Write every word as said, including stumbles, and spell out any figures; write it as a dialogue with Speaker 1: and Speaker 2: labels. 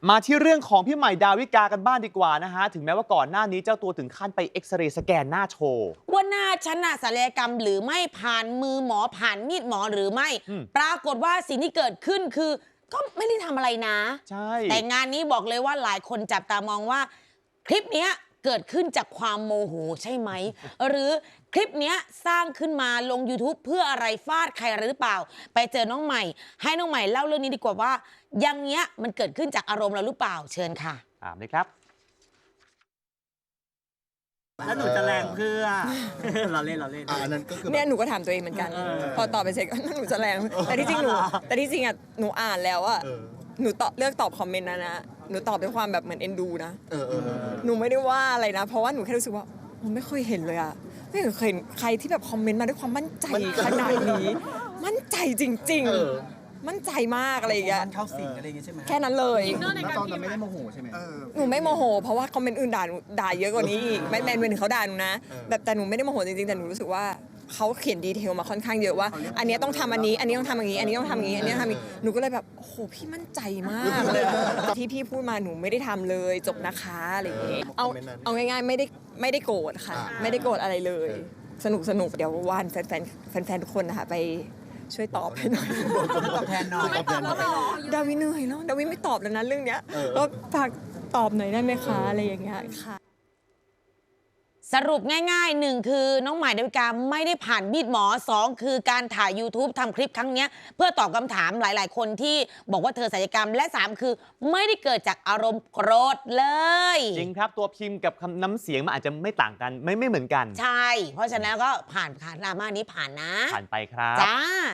Speaker 1: มาที่เรื่องของพี่ใหม่ดาวิกากันบ้างดีกว่านะฮะถึงแม้ว่าก่อนหน้านี้เจ้าตัวถึงขั้นไปเอ็กซเรย์สแกนหน้าโชว์
Speaker 2: ว่าหน้าฉันน่ะศัลยกรรมหรือไม่ผ่านมือหมอผ่านมีดหมอหรือไม่ปรากฏว่าสิ่งที่เกิดขึ้นคือก็ไม่ได้ทำอะไรนะ
Speaker 1: ใช่
Speaker 2: แต่งานนี้บอกเลยว่าหลายคนจับตามองว่าคลิปนี้เกิดขึ้นจากความโมโหใช่ไหม หรือคลิปนี้สร้างขึ้นมาลง YouTube เพื่ออะไรฟาดใครหรือเปล่าไปเจอน้องใหม่ให้น้องใหม่เล่าเรื่องนี้ดีกว่าว่ายังเนี้ยมันเกิดขึ้นจากอารมณ์เราหรือเปล่าเชิญค่ะ
Speaker 1: ตามเลยครับ
Speaker 3: แล้วหนูจะแรงเพื่อ เราเล่นเราเล่น
Speaker 4: อันนั้นก็คือ
Speaker 5: เนี่ยหนูก็ถามตัวเองเหมือนกันพอตอบไปเสร็จก็หนูจะแรงแต่ที่จริงหนูแต่ที่จริงอ่ะหนูอ่านแล้วอ่ะหนูตอบเลือกตอบคอมเมนต์นะนะหนูตอบด้วยความแบบเหมือนเอ็นดูนะหนูไม่ได้ว่าอะไรนะเพราะว่าหนูแค่รู้สึกว่าผมไม่เคยเห็นเลยอ่ะไม่เคยเห็นใครที่แบบคอมเมนต์มาด้วยความมั่นใจขนาดนี้มั่นใจจริงๆมั่นใจมากอะไรอย่างเงี้ย
Speaker 3: เข้าสิงอะไรอย่างเงี้ยใช่ไหม
Speaker 5: แค่นั้นเลย
Speaker 4: แล้วตอนนั้นไม่ได้โมโหใช่ไหม
Speaker 5: หนูไม่โมโหเพราะว่าคอมเมนต์อื่นด่าหนูด่าเยอะกว่านี้อีกไม่แมนเป็นเขาด่าหนูนะแบบแต่หนูไม่ได้โมโหจริงๆแต่หนูรู้สึกว่าเขาเขียนดีเทลมาค่อนข้างเยอะว่าอันนี้ต้องทำอันนี้อันนี้ต้องทำอย่างนี้อันนี้ต้องทำอย่างนี้อันนี้ต้องทำอย่างนี้หนูก็เลยแบบโอ้โหพี่มั่นใจมากเลยที่พี่พูดมาหนูไม่ได้ทำเลยจบนะคะอะไรอย่างเงี้ยเอาเอาง่ายๆไม่ได้ไม่ได้โกรธค่ะไม่ได้โกรธอะไรเลยสนุกสนุกเดี๋ยววันแฟนแฟนแฟนทุกคนนะคะไปช่วยตอบให้หน่อย
Speaker 3: ตอบแทนหน่อย
Speaker 5: ดาวิเหนื่อยแล้วดาวิไม่ตอบแล้วนะเรื่องเนี้ยก็ฝากตอบหน่อยได้ไหมคะอะไรอย่างเงี้ยค่ะ
Speaker 2: สรุปง่ายๆหนึ่งคือน้องใหม่ดาวิกาไม่ได้ผ่านมีดหมอสองคือการถ่าย YouTube ทำคลิปครั้งนี้เพื่อตอบคำถามหลายๆคนที่บอกว่าเธอศัลยกรรมและสามคือไม่ได้เกิดจากอารมณ์โกรธเลย
Speaker 1: จริงครับตัวพิมพ์กับคำน้ำเสียงมันอาจจะไม่ต่างกันไม่ไม่เหมือนกัน
Speaker 2: ใช่เพราะฉะนั้นก็ผ่านค่ะดราม่านี้ผ่านนะ
Speaker 1: ผ่านไปครับ
Speaker 2: จ้า